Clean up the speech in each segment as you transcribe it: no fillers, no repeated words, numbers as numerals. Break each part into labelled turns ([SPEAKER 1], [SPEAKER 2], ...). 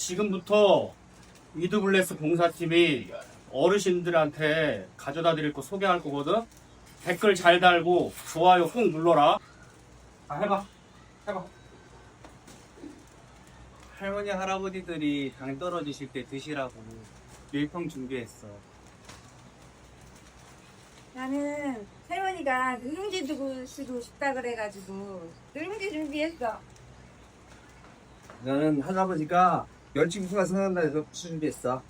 [SPEAKER 1] 지금부터 위드블레스 봉사팀이 어르신들한테 가져다 드릴 거 소개할 거거든. 댓글 잘 달고 좋아요 꼭 눌러라. 해봐.
[SPEAKER 2] 할머니 할아버지들이 당 떨어지실 때 드시라고 밀평 준비했어.
[SPEAKER 3] 나는 할머니가 누룽지 드시고 싶다 그래가지고 누룽지 준비했어.
[SPEAKER 4] 나는 할아버지가 멸치국수가 생각난다 해서 준비했어.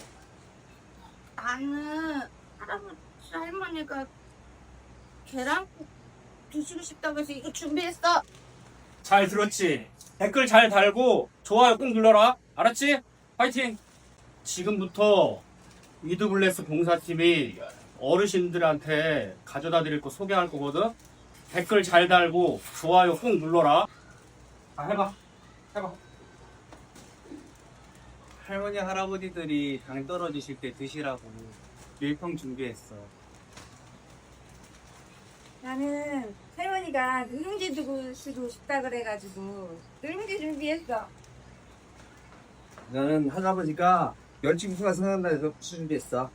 [SPEAKER 3] 나는 할머니가 계란국 드시고 싶다고 해서 이거 준비했어.
[SPEAKER 1] 잘 들었지? 댓글 잘 달고 좋아요 꼭 눌러라. 알았지? 파이팅! 지금부터 위드블레스 봉사팀이 어르신들한테 가져다 드릴 거 소개할 거거든. 댓글 잘 달고 좋아요 꼭 눌러라. 해봐.
[SPEAKER 2] 할머니 할아버지들이 당 떨어지실 때 드시라고 밀평 준비했어.
[SPEAKER 3] 나는 할머니가 누룽지 드시고 싶다 그래가지고 누룽지 준비했어.
[SPEAKER 4] 나는 할아버지가 멸치국수가 생각난다 해서 준비했어.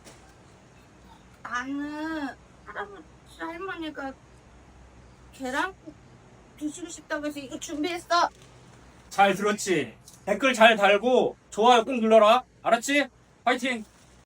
[SPEAKER 3] 나는 할머니가 계란국 드시고 싶다고 해서 이거 준비했어.
[SPEAKER 1] 잘 들었지? 댓글 잘 달고 좋아요 꼭 눌러라. 알았지? 파이팅!